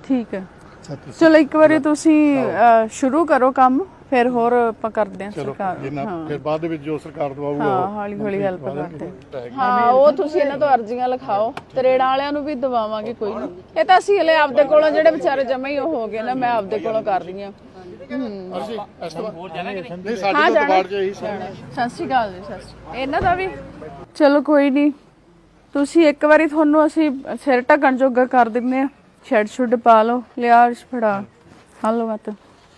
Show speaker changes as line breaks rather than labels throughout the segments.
ठीक है चलो एक बार तुसी शुरू करो काम फिर होर ਆਪਾਂ ਕਰਦੇ ਹਾਂ ਸਰਕਾਰ
ਫਿਰ ਬਾਅਦ ਵਿੱਚ ਜੋ ਸਰਕਾਰ ਦਵਾਊਗਾ
ਹਾਂ ਹੌਲੀ ਹੌਲੀ ਹੈਲਪ ਕਰਦੇ ਹਾਂ ਉਹ ਤੁਸੀਂ ਇਹਨਾਂ ਤੋਂ ਅਰਜ਼ੀਆਂ ਲਿਖਾਓ ਤਰੇੜਾਂ ਵਾਲਿਆਂ ਨੂੰ ਵੀ ਦਵਾਵਾਂਗੇ ਕੋਈ ਨਹੀਂ ਇਹ ਤਾਂ ਅਸੀਂ ਹਲੇ ਆਪਦੇ ਕੋਲੋਂ ਜਿਹੜੇ ਵਿਚਾਰੇ ਜਮਾ ਹੀ ਉਹ ਹੋ ਗਏ ਨਾ ਮੈਂ ਆਪਦੇ ਕੋਲੋਂ ਕਰ ਰਹੀ ਹਾਂ
ਅਸੀਂ ਇਸ ਤੋਂ ਹੋਰ ਜਾਣਾ ਕਿ ਨਹੀਂ ਸਾਡੇ ਤੋਂ ਬਾੜ ਜੇ ਇਹੀ
ਸਤਿ ਸ਼੍ਰੀ ਅਕਾਲ ਜੀ ਸਤਿ ਸ਼੍ਰੀ ਇਹਨਾਂ ਦਾ ਵੀ ਚਲੋ ਕੋਈ ਨਹੀਂ ਤੁਸੀਂ ਇੱਕ ਵਾਰੀ ਤੁਹਾਨੂੰ ਅਸੀਂ ਸਿਰ ਢੱਕਣ ਜੋਗਾ ਕਰ ਦਿੰਦੇ ਆ ਸ਼ੈਡ ਸ਼ੁੱਡ ਪਾ ਲਓ ਲਿਆ ਫੜਾ ਹਲੋ ਮਤ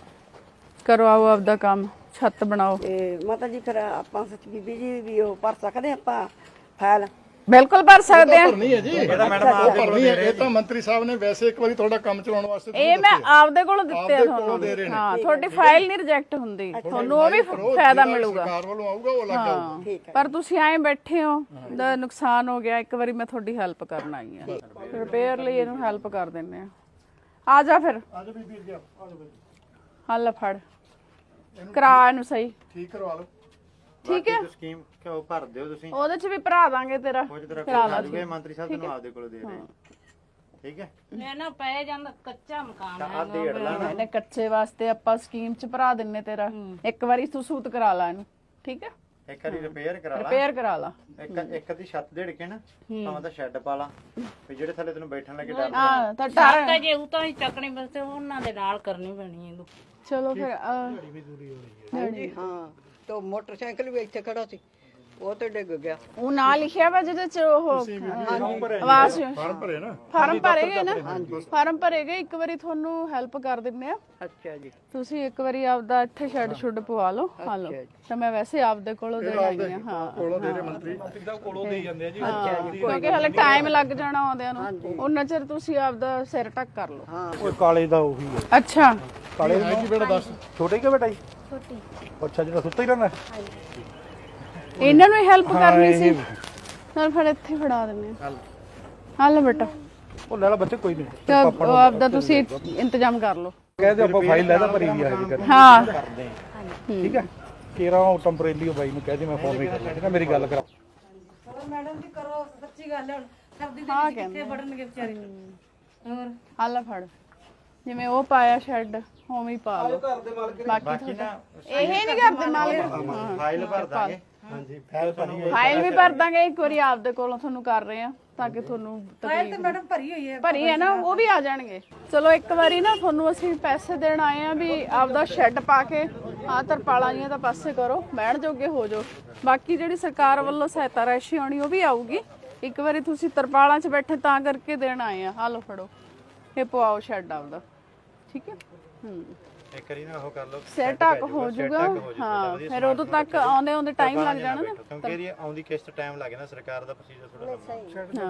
ਕਰੋ ਆਓ ਆਪਦਾ ਕੰਮ ਛੱਤ ਬਣਾਓ
ਤੇ ਮਾਤਾ ਜੀ ਫਿਰ ਆਪਾਂ ਸੱਚ ਬੀਬੀ ਜੀ ਵੀ ਉਹ ਭਰ ਸਕਦੇ ਆਪਾਂ ਫਾਈਲ
ਬਿਲਕੁਲ ਭਰ ਸਕਦੇ ਆ
ਨਹੀਂ ਹੈ ਜੀ ਇਹਦਾ ਮੈਡਮ ਆਪ ਭਰਨੀ ਹੈ ਇਹ ਤਾਂ ਮੰਤਰੀ ਸਾਹਿਬ ਨੇ ਵੈਸੇ ਇੱਕ ਵਾਰੀ ਤੁਹਾਡਾ ਕੰਮ ਚਲਾਉਣ ਵਾਸਤੇ
ਇਹ ਮੈਂ ਆਪਦੇ ਕੋਲੋਂ ਦਿੱਤੇ ਆ ਤੁਹਾਨੂੰ ਹਾਂ ਤੁਹਾਡੀ ਫਾਈਲ ਨਹੀਂ ਰਿਜੈਕਟ ਹੁੰਦੀ ਤੁਹਾਨੂੰ ਉਹ ਵੀ ਫਾਇਦਾ ਮਿਲੂਗਾ
ਸਰਕਾਰ ਵੱਲੋਂ ਆਊਗਾ ਉਹ ਲੱਗ ਜਾਊਗਾ
ਪਰ ਤੁਸੀਂ ਐਂ ਬੈਠੇ ਹੋ ਦਾ ਨੁਕਸਾਨ ਹੋ ਗਿਆ ਇੱਕ ਵਾਰੀ ਮੈਂ ਤੁਹਾਡੀ ਹੈਲਪ ਕਰਨ ਆਈ ਆ ਰਿਪੇਅਰ ਲਈ ਇਹਨੂੰ ਹੈਲਪ ਕਰ ਦਿੰਨੇ ਆ ਜਾ ਫਿਰ
ਆ ਜਾ ਬੀਬੀ ਜੀ ਆ ਜਾ ਬੀਬੀ
ਹੱਲ ਫੜ ਕਰਾ ਇਹਨੂੰ ਸਹੀ
ਠੀਕ ਕਰਵਾ ਲਓ
ਠੀਕ ਹੈ
ਸਕੀਮ ਕਿਉਂ ਭਰ ਦਿਓ ਤੁਸੀਂ
ਉਹਦੇ ਚ ਵੀ ਭਰਾ ਦਾਂਗੇ ਤੇਰਾ
ਕਰਾ ਲਾ ਮੰਤਰੀ ਸਾਹਿਬ ਤੁਹਾਨੂੰ ਆਪਦੇ ਕੋਲ ਦੇ ਰਹੇ ਠੀਕ ਹੈ
ਮੈਂ ਨਾ ਪੈ ਜਾਂਦਾ ਕੱਚਾ ਮਕਾਨ
ਆ ਡੇਢ ਲਾ ਨਾ
ਇਹਨੇ ਕੱਚੇ ਵਾਸਤੇ ਆਪਾਂ ਸਕੀਮ ਚ ਭਰਾ ਦਿੰਨੇ ਤੇਰਾ ਇੱਕ ਵਾਰੀ ਤੂੰ ਸੂਤ ਕਰਾ ਲਾ ਇਹਨੂੰ ਠੀਕ ਹੈ
ਇੱਕ ਵਾਰੀ ਰਿਪੇਅਰ ਕਰਾ ਲਾ
ਰਿਪੇਅਰ ਕਰਾ ਲਾ
ਇੱਕ ਦੀ ਛੱਤ ਦੇੜ ਕੇ ਨਾ ਭਾਵੇਂ ਤਾਂ ਸ਼ੈੱਡ ਪਾ ਲਾ ਤੇ ਜਿਹੜੇ ਥੱਲੇ ਤੈਨੂੰ ਬੈਠਣ ਲੱਗੇ ਡਰ
ਹਾਂ ਤਾਂ
ਤਾਂ ਜੇ ਉਹ ਤਾਂ ਹੀ ਚੱਕਣੀ ਬਸ ਉਹਨਾਂ ਦੇ ਨਾਲ ਕਰਨੀ ਪੈਣੀ ਇਹਨੂੰ
ਚਲੋ ਫਿਰ
ਹਾਂਜੀ ਹਾਂ ਤੇ ਮੋਟਰਸਾਈਕਲ ਵੀ ਇੱਥੇ ਖੜਾ ਸੀ ਉਹ ਤੇ ਡਿੱਗ ਗਿਆ
ਉਹ ਨਾਂ ਲਿਖਿਆ ਵਾ ਜਿਹਦੇ ਚ ਉਹ ਆਵਾਜ਼
ਫਾਰਮ ਭਰੇ ਨਾ
ਫਾਰਮ ਭਰੇਗੇ ਨਾ ਫਾਰਮ ਭਰੇਗੇ ਇੱਕ ਵਾਰੀ ਤੁਹਾਨੂੰ ਹੈਲਪ ਕਰ ਦਿੰਨੇ ਆ
ਅੱਛਾ ਜੀ
ਤੁਸੀਂ ਇੱਕ ਵਾਰੀ ਆਪਦਾ ਇੱਥੇ ਸ਼ੈਡ ਸ਼ੁੱਡ ਪਵਾ ਲਓ ਹਾਂ ਲਓ ਤਾਂ ਮੈਂ ਵੈਸੇ ਆਪਦੇ ਕੋਲੋਂ ਦੇ ਆਈ ਆ ਹਾਂ
ਕੋਲੋਂ ਦੇ ਰਹੇ ਮੰਤਰੀ
ਕੋਲੋਂ ਦੇ ਜਾਂਦੇ ਆ ਜੀ
ਕਿਉਂਕਿ ਹਲੇ ਟਾਈਮ ਲੱਗ ਜਾਣਾ ਆਉਂਦਿਆਂ ਨੂੰ ਉਹਨਾਂ ਚਿਰ ਤੁਸੀਂ ਆਪਦਾ ਸਿਰ ਢੱਕ ਕਰ ਲਓ
ਓਏ ਕਾਲੇ ਦਾ ਉਹੀ ਹੈ
ਅੱਛਾ
ਕਾਲੇ ਹੈ ਕੀ ਬੇਟਾ ਦੱਸ
ਛੋਟੇ ਕਿ ਬੇਟਾ ਜੀ ਛੋਟੀ ਅੱਛਾ ਜਿਹੜਾ ਸੁੱਤਾ ਹੀ ਰਹਿੰਦਾ
ਇਹਨਾਂ ਨੂੰ ਹੈਲਪ ਕਰਨੀ ਸੀ ਨਾਲ ਫਿਰ ਇੱਥੇ ਫੜਾ ਦਿੰਨੇ ਆ ਹੱਲ ਬੇਟਾ
ਉਹ ਲੈ ਲਾ ਬੱਚੇ ਕੋਈ ਨਹੀਂ
ਤਾਂ ਉਹ ਆਪਦਾ ਤੁਸੀਂ ਇੰਤਜ਼ਾਮ ਕਰ ਲਓ
ਕਹਿੰਦੇ ਆਪਾਂ ਫਾਈਲ ਲੈ ਦਾ ਭਰੀ ਵੀ ਆ ਜੀ ਕਰ
ਹਾਂ
ਠੀਕ ਹੈ ਕੇਰਾ ਉਹ ਟੈਂਪਰੇਰੀ ਬਾਈ ਨੂੰ ਕਹਦੇ ਮੈਂ ਫੋਨ ਵੀ ਕਰ ਲੈਣਾ ਮੇਰੀ ਗੱਲ ਕਰਾ
ਮੈਡਮ ਜੀ ਕਰੋ ਸੱਚੀ ਗੱਲ ਹੈ ਸਰਦੀ ਦੇ
ਹਾਂ
ਵਿੱਚ ਕਿੱਥੇ ਵੜਨਗੇ ਵਿਚਾਰੇ ਹੋਰ
ਹੱਲ ਫੜ ਜਿਵੇਂ ਉਹ ਪਾਇਆ ਸ਼ੈੱਡ ਉਵੇਂ ਹੀ ਪਾ ਲਓ ਬਾਕੀ
ਨਾ
ਇਹ ਨਹੀਂ ਕਰਦੇ ਮਾਲਕ
ਫਾਈਲ ਭਰ ਦਾਂਗੇ ਹਾਂਜੀ ਫਾਈਲ ਭਰੀ
ਫਾਈਲ ਵੀ ਭਰ ਦਾਂਗੇ ਇੱਕ ਵਾਰੀ ਆਪਦੇ ਕੋਲੋਂ ਤੁਹਾਨੂੰ ਕਰ ਰਹੇ ਆ ਤਾਂ ਕਿ ਤੁਹਾਨੂੰ ਤਕਲੀਫ
ਮੈਡਮ ਭਰੀ ਹੋਈ ਹੈ
ਭਰੀ ਹੈ ਨਾ ਉਹ ਵੀ ਆ ਜਾਣਗੇ ਚਲੋ ਇੱਕ ਵਾਰੀ ਨਾ ਤੁਹਾਨੂੰ ਅਸੀਂ ਪੈਸੇ ਦੇਣ ਆਏ ਆ ਵੀ ਆਪਦਾ ਸ਼ੈੱਡ ਪਾ ਕੇ ਆ ਤਰਪਾਲਾਂ ਜੀਆਂ ਤਾਂ ਪਾਸੇ ਕਰੋ ਬਹਿਣ ਜੋਗੇ ਹੋ ਜਾਓ ਬਾਕੀ ਜਿਹੜੀ ਸਰਕਾਰ ਵੱਲੋਂ ਸਹਾਇਤਾ ਰਾਸ਼ੀ ਆਉਣੀ ਉਹ ਵੀ ਆਊਗੀ ਇੱਕ ਵਾਰੀ ਤੁਸੀਂ ਤਰਪਾਲਾਂ 'ਚ ਬੈਠੇ ਤਾਂ ਕਰਕੇ ਦੇਣ ਆਏ ਆ ਹਾਲੋ ਫੜੋ ਇਹ ਪਵਾਓ ਸ਼ੈੱਡ ਆਪਦਾ ਠੀਕ ਹੈ
ਇੱਕ ਵਾਰੀ ਨਾ ਉਹ ਕਰ ਲਓ
ਸਿਰ ਢੱਕ ਹੋ ਜਾਊਗਾ ਹਾਂ ਫਿਰ ਉਦੋਂ ਤੱਕ ਆਉਂਦੇ ਟਾਈਮ ਲੱਗ ਜਾਣਾ ਨਾ
ਕਿਉਂਕਿ ਇਹਦੀ ਆਉਂਦੀ ਕਿਸ਼ਤ ਟਾਈਮ ਲੱਗੇ ਨਾ ਸਰਕਾਰ ਦਾ ਪ੍ਰੋਸੀਜਰ ਥੋੜਾ ਲੰਮਾ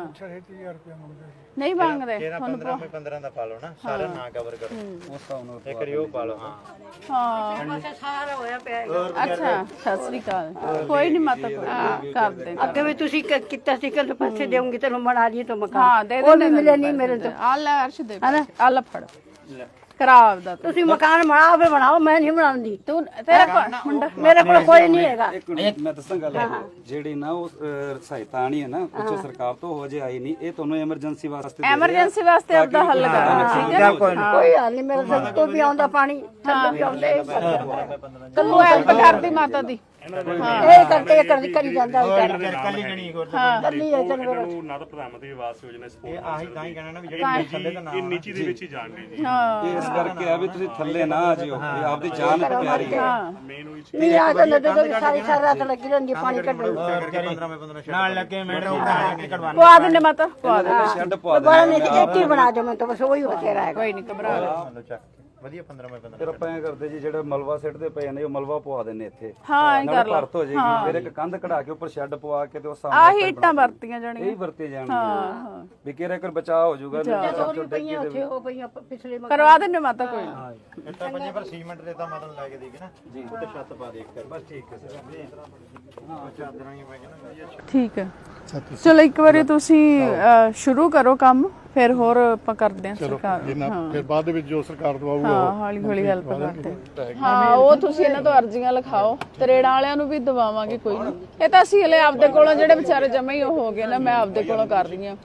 ਨਹੀਂ ਮੰਗਦੇ
ਤੇਰਾ 15 ਮੈਂ 15 ਦਾ ਪਾ ਲਓ ਨਾ ਸਾਰਾ ਨਾ ਕਵਰ ਕਰੋ ਉਸ ਹਿਸਾਬ ਨਾਲ ਇੱਕ ਵਾਰੀ ਉਹ ਪਾ ਲਓ ਹਾਂ
ਹਾਂ
ਸਾਰਾ ਹੋਇਆ ਪਿਆ
ਅੱਛਾ ਸਤਿ ਸ੍ਰੀ ਅਕਾਲ ਕੋਈ ਨਹੀਂ ਮਾਤਾ ਕਰਦੇ
ਅੱਗੇ ਵੀ ਤੁਸੀਂ ਕੀਤਾ ਸੀ ਕਿ ਪੈਸੇ ਦੇਉਂਗੀ ਤੈਨੂੰ ਬਣਾ ਲਈ ਤਾਂ ਮਕਾਨ
ਹਾਂ ਦੇ
ਉਹ ਵੀ ਮਿਲੇ ਨਹੀਂ ਮੇਰੇ ਤੋਂ
ਆ ਲੈ ਅਰਸ਼ ਦੇ ਆ ਲੈ ਫੜ ਕਰਾ ਆਪਦਾ
ਤੁਸੀਂ ਮਕਾਨ ਬਣਾਓ ਫੇ ਬਣਾਓ ਮੈਂ ਨਹੀਂ ਬਣਾਉਂਦੀ
ਤੂੰ ਤੇਰਾ ਮੁੰਡਾ
ਮੇਰੇ ਕੋਲ ਕੋਈ ਨਹੀਂ ਹੈਗਾ
ਮੈਂ ਦੱਸਾਂ ਗੱਲ ਜਿਹੜੀ ਨਾ ਉਹ ਸਹਾਇਤਾ ਆਣੀ ਹੈ ਨਾ ਉੱਚੋ ਸਰਕਾਰ ਤੋਂ ਹੋ ਜੇ ਆਈ ਨਹੀਂ ਇਹ ਤੁਹਾਨੂੰ ਐਮਰਜੈਂਸੀ ਵਾਸਤੇ
ਐਮਰਜੈਂਸੀ ਵਾਸਤੇ ਆਪਦਾ ਹੱਲ ਕਰਨਾ ਠੀਕ ਹੈ
ਕੋਈ ਹਾਲ ਨਹੀਂ ਮੇਰੇ ਸਿਰ ਤੋਂ ਵੀ ਆਉਂਦਾ ਪਾਣੀ ਥੱਲੇ ਵੀ ਆਉਂਦੇ
ਤੂੰ ਹੈਲਪ ਕਰਦੀ ਮਾਤਾ ਦੀ
ਇਹ ਕਰਕੇ ਇਹ ਕਰੀ ਜਾਂਦਾ
ਕੱਲੀ ਗਣੀ ਹੋਰ
ਕੱਲੀ ਹੈ ਚੰਗਾ
ਨਾ ਤਾਂ ਪ੍ਰਧਾਨ ਮੰਤਰੀ ਆਵਾਸ ਯੋਜਨਾ ਸਪੋਰਟ
ਇਹ ਆਹੀ ਤਾਂ ਹੀ ਕਹਿਣਾ ਨਾ ਵੀ ਜਿਹੜੇ ਥੱਲੇ ਦਾ ਨਾਮ
ਨੀਚੀ ਦੇ ਵਿੱਚ ਹੀ ਜਾਣ ਰਹੇ ਜੀ
ਹਾਂ
ਇਸ ਕਰਕੇ ਆ ਵੀ ਤੁਸੀਂ ਥੱਲੇ ਨਾ ਆ ਜਿਓ ਵੀ ਆਪਦੀ ਜਾਨ ਪਿਆਰੀ ਹੈ
ਮੇਨ ਉਹੀ ਚੀਜ਼
ਨਹੀਂ ਆ ਤਾਂ ਨਦੇ ਦੇ ਸਾਰੀ ਰਾਤ ਲੱਗੀ ਰਹਿੰਦੀ ਪਾਣੀ ਕੱਢਣ
15 ਮੈਂ 15 ਨਾਲ ਲੱਗੇ ਮੈਡਮ ਕਢਵਾਣਾ
ਪਵਾ ਦਿੰਦੇ ਮਾਤਾ ਪਵਾ ਦੇ
ਸ਼ੈੱਡ ਪਵਾ ਦੇ
ਬੜਾ ਨਹੀਂ ਇੱਕ ਹੀ ਬਣਾ ਦਿਓ ਮੈਂ ਤਾਂ ਬਸ ਉਹੀ ਹੋ ਤੇਰਾ ਹੈ
ਕੋਈ ਨਹੀਂ ਘਬਰਾ
ਲਓ ਚੱਕ ਵਧੀਆ 15 ਮੈਂ 15
ਫਿਰ ਆਪਾਂ ਐ ਕਰਦੇ ਜੀ ਜਿਹੜਾ ਮਲਵਾ ਸਿੱਟਦੇ ਪਏ ਨੇ ਉਹ ਮਲਵਾ ਪਵਾ ਦਿੰਨੇ ਇੱਥੇ
ਹਾਂ ਐਂ ਕਰ ਲਾ
ਭਰਤ ਹੋ ਜਾਏਗੀ ਫਿਰ ਇੱਕ ਕੰਧ ਕਢਾ ਕੇ ਉੱਪਰ ਸ਼ੈੱਡ ਪਵਾ ਕੇ ਤੇ ਉਹ ਸਾਹਮਣੇ
ਆਹੀ ਇੱਟਾਂ ਵਰਤੀਆਂ ਜਾਣੀਆਂ
ਇਹ ਵਰਤੇ ਜਾਣਗੇ ਵੀ ਕਿਹੜਾ ਕਰ ਬਚਾਅ ਹੋ ਜਾਊਗਾ
ਪਈਆਂ ਉੱਥੇ ਉਹ ਪਈਆਂ ਪਿਛਲੇ
ਕਰਵਾ ਦਿੰਦੇ ਮਾਤਾ ਕੋਈ ਨੀ।
ਇੱਟਾਂ ਪੰਜੇ ਪਰ ਸੀਮੈਂਟ ਦੇ ਤਾਂ ਮਤਲਬ ਲੈ ਕੇ ਦੇਗੇ ਨਾ ਜੀ ਉੱਤੇ ਛੱਤ ਪਾ ਦੇ ਇੱਕ ਕਰ ਬਸ ਠੀਕ ਹੈ ਹਾਂ ਚਾਦਰਾਂ ਹੀ ਮੈਂ ਕਹਿੰਦਾ ਵਧੀਆ
ਠੀਕ ਹੈ ਚਲੋ ਇੱਕ ਵਾਰੀ ਤੁਸੀਂ ਸ਼ੁਰੂ ਕਰੋ ਕੰਮ ਫਿਰ ਹੋਰ ਆਪਾਂ ਕਰਦੇ ਹਾਂ ਸਰਕਾਰ
ਫਿਰ ਬਾਅਦ ਵਿੱਚ ਜੋ ਸਰਕਾਰ ਦਵਾਊਗਾ
ਹਾਂ ਹੌਲੀ ਹੌਲੀ ਹੈਲਪ ਕਰਦੇ ਹਾਂ ਉਹ ਤੁਸੀਂ ਇਹਨਾਂ ਤੋਂ ਅਰਜ਼ੀਆਂ ਲਿਖਾਓ ਤਰੇੜਾਂ ਵਾਲਿਆਂ ਨੂੰ ਵੀ ਦਵਾਵਾਂਗੇ ਕੋਈ ਨਹੀਂ ਇਹ ਤਾਂ ਅਸੀਂ ਹਲੇ ਆਪਦੇ ਕੋਲੋਂ ਜਿਹੜੇ ਵਿਚਾਰੇ ਜਮਾ ਹੀ ਉਹ ਹੋ ਗਏ ਨਾ ਮੈਂ ਆਪਦੇ ਕੋਲੋਂ ਕਰ ਰਹੀ ਹਾਂ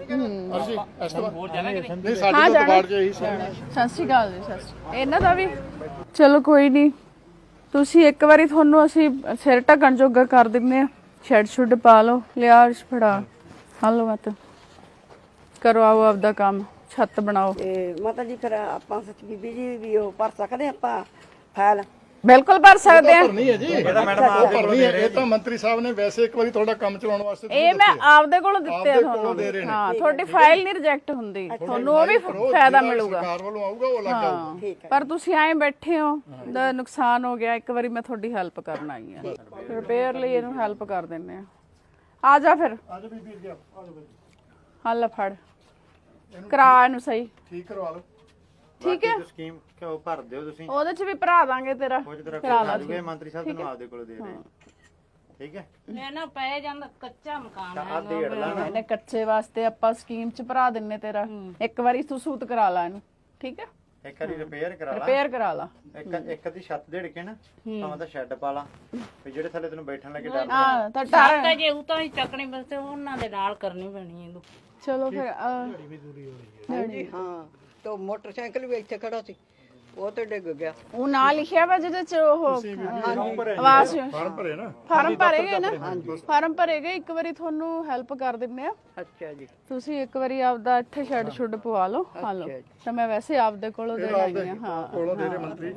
ਅਸੀਂ ਇਸ ਤੋਂ ਨਹੀਂ ਸਾਡੀ ਤਾਂ ਬਾੜ ਜੇ ਇਹੀ ਸੀ।
ਸਤਿ ਸ਼੍ਰੀ ਅਕਾਲ ਜੀ, ਸਤਿ ਸ਼੍ਰੀ ਇਹਨਾਂ ਦਾ ਵੀ ਚਲੋ ਕੋਈ ਨਹੀਂ, ਤੁਸੀਂ ਇੱਕ ਵਾਰੀ ਤੁਹਾਨੂੰ ਅਸੀਂ ਸਿਰ ਢੱਕਣ ਜੋਗਾ ਕਰ ਦਿੰਦੇ ਆ, ਸ਼ੈਡ ਸ਼ੁੱਡ ਪਾ ਲਓ, ਲਿਆ ਅਰਸ਼ ਫੜਾ ਹਲੋ ਮਤ ਕਰੋ, ਆਓ ਆਪਦਾ ਕੰਮ, ਛੱਤ ਬਣਾਓ।
ਤੇ ਮਾਤਾ ਜੀ ਫਿਰ ਆਪਾਂ ਸੱਚ ਬੀਬੀ ਜੀ ਵੀ ਉਹ ਭਰ ਸਕਦੇ ਆਪਾਂ ਫਾਈਲ?
ਬਿਲਕੁਲ ਭਰ ਸਕਦੇ ਆ।
ਭਰਨੀ ਹੈ ਜੀ,
ਇਹਦਾ ਮੈਡਮ ਆਪ ਦੇ
ਭਰਨੀ ਹੈ। ਇਹ ਤਾਂ ਮੰਤਰੀ ਸਾਹਿਬ ਨੇ ਵੈਸੇ ਇੱਕ ਵਾਰੀ ਤੁਹਾਡਾ ਕੰਮ ਚਲਾਉਣ ਵਾਸਤੇ
ਇਹ ਮੈਂ ਆਪਦੇ ਕੋਲੋਂ ਦਿੱਤੇ ਆ
ਦੇ ਕੋਲੋਂ
ਤੁਹਾਨੂੰ।
ਦੇ ਰਹੇ ਨੇ।
ਹਾਂ, ਤੁਹਾਡੀ ਫਾਈਲ ਨਹੀਂ ਰਿਜੈਕਟ ਹੁੰਦੀ, ਤੁਹਾਨੂੰ ਉਹ ਵੀ ਫਾਇਦਾ ਮਿਲੂਗਾ।
ਸਰਕਾਰ ਵੱਲੋਂ ਆਊਗਾ ਉਹ ਲੱਗ ਜਾਊਗਾ।
ਹਾਂ, ਪਰ ਤੁਸੀਂ ਐਂ ਬੈਠੇ ਹੋ, ਦਾ ਨੁਕਸਾਨ ਹੋ ਗਿਆ, ਇੱਕ ਵਾਰੀ ਮੈਂ ਤੁਹਾਡੀ ਹੈਲਪ ਕਰਨ ਆਈ ਆ, ਰਿਪੇਅਰ ਲਈ ਇਹਨੂੰ ਹੈਲਪ ਕਰ ਦਿੰਨੇ ਆ। ਆ ਜਾ ਫਿਰ,
ਆ ਜਾ ਬੀਬੀ ਅੱਗੇ ਆ ਜਾ ਬਈ,
ਹੱਲ ਫੜ, ਕਰਾ ਇਹਨੂੰ ਸਹੀ,
ਠੀਕ ਕਰਵਾ ਲਓ।
ਠੀਕ ਹੈ।
ਸਕੀਮ ਕਿਉਂ ਭਰ ਦਿਓ ਤੁਸੀਂ,
ਉਹਦੇ ਚ ਵੀ ਭਰਾ ਦਾਂਗੇ ਤੇਰਾ,
ਕੁਝ ਤਰ੍ਹਾਂ
ਕਰਾ ਲਾ।
ਆ ਜੂਗੇ, ਮੰਤਰੀ ਸਾਹਿਬ ਤੁਹਾਨੂੰ ਆਪਦੇ ਕੋਲ ਦੇ ਰਹੇ। ਠੀਕ ਹੈ,
ਮੈਂ ਨਾ ਪੈ ਜਾਂਦਾ ਕੱਚਾ ਮਕਾਨ ਹੈ।
ਆ ਡੇਢ ਲਾ
ਇਹਨੇ ਕੱਚੇ ਵਾਸਤੇ ਆਪਾਂ ਸਕੀਮ ਚ ਭਰਾ ਦਿੰਨੇ ਤੇਰਾ, ਇੱਕ ਵਾਰੀ ਤੂੰ ਸੂਤ ਕਰਾ ਲਾ ਇਹਨੂੰ, ਠੀਕ ਹੈ,
ਇੱਕ ਵਾਰੀ ਰਿਪੇਅਰ ਕਰਾ ਲਾ,
ਰਿਪੇਅਰ ਕਰਾ ਲਾ।
ਇੱਕ ਦੀ ਛੱਤ ਦੇੜ ਕੇ ਨਾ ਭਾਵੇਂ ਤਾਂ ਸ਼ੈੱਡ ਪਾ ਲਾ, ਵੀ ਜਿਹੜੇ ਥੱਲੇ ਤੈਨੂੰ ਬੈਠਣ ਲੱਗੇ ਡਰ
ਹਾਂ ਤਾਂ
ਤਾਂ ਜੇ ਉਹ ਤਾਂ ਹੀ ਚੱਕਣੀ ਬਸ ਉਹਨਾਂ ਦੇ ਨਾਲ ਕਰਨੀ ਪੈਣੀ ਇਹਨੂੰ।
ਚਲੋ ਫਿਰ
ਹਾਂਜੀ ਹਾਂ, ਤੇ ਮੋਟਰਸਾਈਕਲ ਵੀ ਇੱਥੇ ਖੜਾ ਸੀ, ਉਹ ਤੇ ਡਿੱਗ ਗਿਆ।
ਉਹ ਨਾਂ ਲਿਖਿਆ ਵਾ ਜਿਹਦੇ ਚ ਉਹ ਆਵਾਜ਼
ਫਾਰਮ ਭਰੇ ਨਾ,
ਫਾਰਮ ਭਰੇਗੇ ਨਾ, ਫਾਰਮ ਭਰੇਗੇ, ਇੱਕ ਵਾਰੀ ਤੁਹਾਨੂੰ ਹੈਲਪ ਕਰ ਦਿੰਨੇ ਆ।
ਅੱਛਾ ਜੀ,
ਤੁਸੀਂ ਇੱਕ ਵਾਰੀ ਆਪਦਾ ਇੱਥੇ ਸ਼ੈਡ ਸ਼ੁੱਡ ਪਵਾ ਲਓ, ਹਾਂ ਲਓ, ਤਾਂ ਮੈਂ ਵੈਸੇ ਆਪਦੇ ਕੋਲੋਂ ਦੇ ਆਈ ਆ। ਹਾਂ,
ਕੋਲੋਂ ਦੇ ਰਹੇ ਮੰਤਰੀ।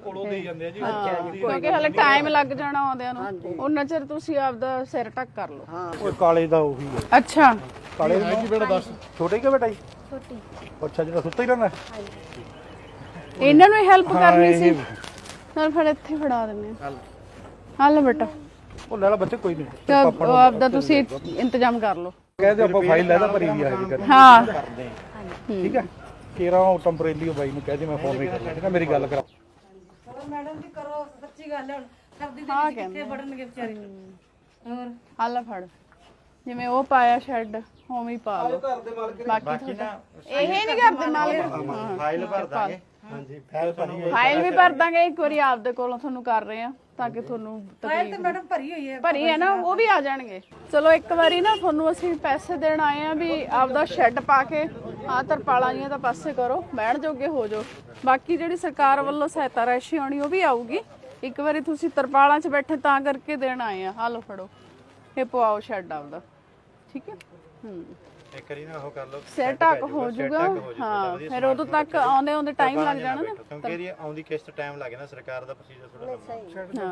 ਕਿਉਂਕਿ ਹਲੇ ਟਾਈਮ ਲੱਗ ਜਾਣਾ ਆਉਂਦਿਆਂ ਨੂੰ, ਉਹਨਾਂ ਚਿਰ ਤੁਸੀਂ ਆਪਦਾ ਸਿਰ ਢੱਕ ਕਰ ਲਓ।
ਉਹ ਕਾਲੇ ਦਾ ਉਹੀ ਹੈ।
ਅੱਛਾ,
ਕਾਲੇ
ਹੈ ਕੀ ਬੇਟਾ ਦੱਸ।
ਛੋਟੇ ਕਿ ਬੇਟਾ ਜੀ? ਛੋਟੀ। ਅੱਛਾ, ਜਿਹੜਾ ਸੁੱਤਾ ਹੀ ਰਹਿੰਦਾ?
ਇਹਨਾਂ ਨੂੰ ਹੈਲਪ ਕਰਨੀ ਸੀ, ਨਾਲ ਫਿਰ ਇੱਥੇ ਫੜਾ ਦਿੰਨੇ ਆ। ਹੱਲ ਬੇਟਾ,
ਉਹ ਲੈ ਲਾ ਬੱਚੇ, ਕੋਈ ਨਹੀਂ।
ਤੇ ਉਹ ਆਪਦਾ ਤੁਸੀਂ ਇੰਤਜ਼ਾਮ ਕਰ ਲਓ।
ਕਹਿੰਦੇ ਆਪਾਂ ਫਾਈਲ ਲੈ ਲਾ, ਭਰੀ ਵੀ ਆ ਜੀ।
ਹਾਂ
ਠੀਕ ਹੈ, ਕੇਰਾ ਉਹ ਟੈਂਪਰੇਰੀ ਬਾਈ ਨੂੰ ਕਹਿ ਦੇ ਮੈਂ ਫੋਨ ਨਹੀਂ ਕਰਨਾ, ਠੀਕ ਹੈ, ਮੇਰੀ ਗੱਲ ਕਰਾ।
ਮੈਡਮ ਜੀ ਕਰੋ, ਸੱਚੀ ਗੱਲ ਹੈ, ਸਰਦੀ
ਹਾਂ
ਦੇ ਵਿੱਚ ਕਿੱਥੇ ਵੜਨਗੇ ਵਿਚਾਰੇ। ਹੋਰ
ਹੱਲ ਫੜ, ਜਿਵੇਂ ਉਹ ਪਾਇਆ ਸ਼ੈਡ ਉਵੇਂ ਹੀ ਪਾ ਲਓ। ਬਾਕੀ
ਨਾ
ਇਹ ਨਹੀਂ ਕਰਦੇ ਮਾਲਕ,
ਫਾਈਲ ਭਰ ਦਾਂਗੇ।
ਫਾਈਲ ਵੀ ਭਰ ਦਾਂਗੇ, ਇੱਕ ਵਾਰੀ ਆਪਦੇ ਕੋਲੋਂ ਤੁਹਾਨੂੰ ਕਰ ਰਹੇ ਆ ਤਾਂ ਕਿ ਤੁਹਾਨੂੰ ਤਕਲੀਫ
ਮੈਡਮ ਭਰੀ ਹੋਈ ਹੈ।
ਭਰੀ ਹੈ ਨਾ, ਉਹ ਵੀ ਆ ਜਾਣਗੇ। ਚਲੋ ਇੱਕ ਵਾਰੀ ਨਾ ਤੁਹਾਨੂੰ ਅਸੀਂ ਪੈਸੇ ਦੇਣ ਆਏ ਆ ਵੀ ਆਪਦਾ ਸ਼ੈੱਡ ਪਾ ਕੇ ਆ ਤਰਪਾਲਾਂ ਜੀਆਂ ਤਾਂ ਪਾਸੇ ਕਰੋ, ਬਹਿਣ ਜੋਗੇ ਹੋ ਜਾਓ। ਬਾਕੀ ਜਿਹੜੀ ਸਰਕਾਰ ਵੱਲੋਂ ਸਹਾਇਤਾ ਰਾਸ਼ੀ ਆਉਣੀ ਉਹ ਵੀ ਆਊਗੀ। ਇੱਕ ਵਾਰੀ ਤੁਸੀਂ ਤਰਪਾਲਾਂ 'ਚ ਬੈਠੇ ਤਾਂ ਕਰਕੇ ਦੇਣ ਆਏ ਆ। ਹਾਲੋ ਫੜੋ, ਇਹ ਪਵਾਓ ਸ਼ੈੱਡ ਆਪਦਾ, ਠੀਕ ਹੈ।
ਇੱਕ ਵਾਰੀ ਨਾ ਉਹ ਕਰ ਲਓ,
ਸਿਰ ਢੱਕ ਹੋ ਜਾਊਗਾ। ਹਾਂ, ਫਿਰ ਉਦੋਂ ਤੱਕ ਆਉਂਦੇ ਆਉਂਦੇ ਟਾਈਮ ਲੱਗ ਜਾਣਾ ਨਾ,
ਕਿਉਂਕਿ ਇਹਦੀ ਆਉਂਦੀ ਕਿਸ਼ਤ ਟਾਈਮ ਲੱਗੇ ਨਾ, ਸਰਕਾਰ ਦਾ ਪ੍ਰੋਸੀਜਰ ਥੋੜਾ ਲੰਮਾ।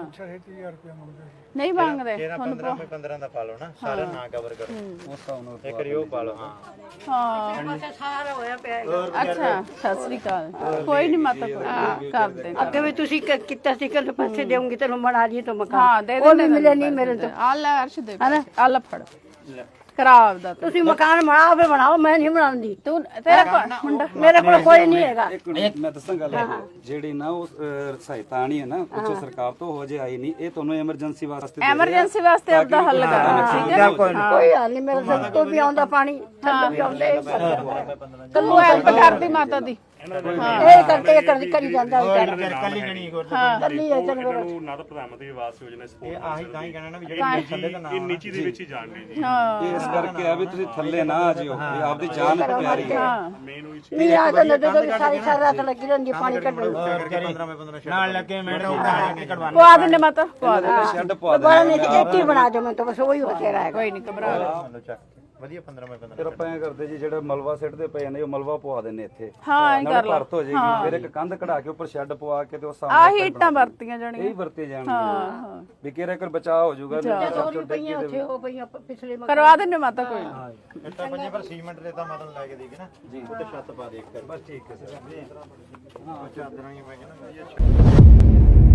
ਨਹੀਂ ਮੰਗਦੇ
15 ਦਾ ਪਾ ਲਓ ਨਾ, ਸਾਰਾ ਨਾ ਕਵਰ ਕਰੋ, ਇੱਕ ਵਾਰੀ ਉਹ ਪਾ ਲਓ। ਹਾਂ
ਹਾਂ,
ਸਾਰਾ ਹੋਇਆ ਪਿਆ।
ਅੱਛਾ, ਸਤਿ ਸ੍ਰੀ ਅਕਾਲ। ਕੋਈ ਨਹੀਂ ਮਾਤਾ, ਕੋਈ ਕਰ ਦੇ।
ਅੱਗੇ ਵੀ ਤੁਸੀਂ ਕੀਤਾ ਸੀ ਕਿ ਪੈਸੇ ਦੇਉਂਗੀ ਤੈਨੂੰ ਬਣਾ ਲਈ ਤਾਂ ਮਕਾਨ।
ਹਾਂ, ਦੇ
ਉਹ
ਦੇ,
ਵੀ ਮਿਲੇ ਨਹੀਂ ਮੇਰੇ ਤੋਂ।
ਆ ਲੈ ਅਰਸ਼ ਦੇ, ਆ ਲੈ ਫੜ, ਕਰਾ ਆਪਦਾ ਤੂੰ।
ਤੁਸੀਂ ਮਕਾਨ ਬਣਾਓ ਫੇ ਬਣਾਓ, ਮੈਂ ਨਹੀਂ ਬਣਾਉਂਦੀ।
ਤੂੰ ਤੇਰਾ ਮੁੰਡਾ
ਮੇਰੇ ਕੋਲ ਕੋਈ ਨਹੀਂ ਹੈਗਾ।
ਇੱਕ ਮਿੰਟ ਮੈਂ ਦੱਸਾਂ ਗੱਲ, ਜਿਹੜੀ ਨਾ ਉਹ ਸਹਾਇਤਾ ਆਣੀ ਹੈ ਨਾ ਉੱਚੋ ਸਰਕਾਰ ਤੋਂ ਹੋ ਜੇ ਆਈ ਨਹੀਂ, ਇਹ ਤੁਹਾਨੂੰ ਐਮਰਜੈਂਸੀ ਵਾਸਤੇ
ਐਮਰਜੈਂਸੀ ਵਾਸਤੇ ਆਪਦਾ ਹੱਲ ਕਰਨਾ, ਠੀਕ ਹੈ।
ਕੋਈ ਹਾਲ ਨਹੀਂ, ਮੇਰੇ ਸਿਰ ਤੋਂ ਵੀ ਆਉਂਦਾ ਪਾਣੀ, ਥੱਲੇ ਵੀ ਆਉਂਦਾ।
ਤੂੰ ਹੈਲਪ ਕਰਦੀ ਮਾਤਾ ਦੀ।
ਇਹ ਕਰਕੇ ਕਰੀ ਜਾਂਦਾ ਵਿਚਾਰਾ।
ਕੱਲੀ ਗਣੀ ਹੋਰ
ਕੱਲੀ ਹੈ ਚੰਗਾ।
ਨੂੰ ਨਾ ਤਾਂ ਪ੍ਰਧਾਨ ਮੰਤਰੀ ਆਵਾਸ ਯੋਜਨਾ ਸਪੋਰਟ,
ਇਹ ਆਹੀ ਤਾਂ ਹੀ ਕਹਿਣਾ ਨਾ ਵੀ ਜਿਹੜੀ ਥੱਲੇ ਦਾ ਨਾਮ
ਇਹ ਨੀਚੀ ਦੇ ਵਿੱਚ ਹੀ ਜਾਣ ਲਈ ਜੀ।
ਹਾਂ,
ਇਸ ਕਰਕੇ ਆ ਵੀ ਤੁਸੀਂ ਥੱਲੇ ਨਾ ਆ ਜਿਓ, ਵੀ ਆਪਦੀ ਜਾਨ ਪਿਆਰੀ ਹੈ।
ਮੇਨ ਉਹ
ਨਹੀਂ ਆ ਤਾਂ ਜਦੋਂ ਵੀ ਸਾਰੀ ਰਾਤ ਲੱਗੀ ਰਹਿੰਦੀ ਪਾਣੀ ਕੱਢਣ।
15 ਨਾਲ ਲੱਗੇ ਮੈਡਮ ਕਢਵਾਉਣਾ।
ਪਵਾ ਦਿੰਦੇ ਮਾਤਾ, ਪਵਾ ਦੇ।
ਸ਼ੈੱਡ ਪਵਾ ਦੇ।
ਬੜਾ ਨਹੀਂ ਇੱਥੇ ਬਣਾ ਦਿਓ, ਮੈਂ ਤਾਂ ਬਸ ਉਹੀ ਹੋ ਤੇਰਾ ਹੈ।
ਕੋਈ ਨਹੀਂ, ਘਬਰਾ ਲੈ।
ਵਧੀਆ 15
ਫਿਰ ਆਪਾਂ ਐ ਕਰਦੇ ਜੀ, ਜਿਹੜਾ ਮਲਵਾ ਸਿੱਟਦੇ ਪਏ ਨੇ ਉਹ ਮਲਵਾ ਪਵਾ ਦਿੰਨੇ ਇੱਥੇ,
ਹਾਂ, ਐਂ ਕਰ ਲਾ।
ਭਰਤ ਹੋ ਜਾਏਗੀ। ਫਿਰ ਇੱਕ ਕੰਧ ਕਢਾ ਕੇ ਉੱਪਰ ਸ਼ੈੱਡ ਪਵਾ ਕੇ ਤੇ ਉਹ
ਆਹ
ਸਾਹਮਣੇ
ਇੱਟਾਂ ਵਰਤੀਆਂ ਜਾਣੀਆਂ।
ਇਹ ਵਰਤੇ ਜਾਣਗੇ, ਵੀ ਕਿਹੜਾ ਕਰ ਬਚਾਅ ਹੋ ਜਾਊਗਾ।
ਪਈਆਂ ਉੱਥੇ ਉਹ ਪਈਆਂ ਪਿਛਲੇ
ਕਰਵਾ ਦਿੰਦੇ ਮਾਤਾ, ਕੋਈ ਨਹੀਂ।
ਇੱਟਾਂ ਪੰਜੇ ਪਰ ਸੀਮੈਂਟ ਦੇ ਤਾਂ ਮਤਲਬ ਲੈ ਕੇ ਦੇਗੇ ਨਾ ਜੀ, ਉੱਤੇ ਛੱਤ ਪਾ ਦੇ ਇੱਕ। ਬਸ ਠੀਕ ਹੈ ਸਰ, ਚਾਦਰਾਂ ਹੀ ਪੈ ਗਈਆਂ ਨਾ ਵਧੀਆ।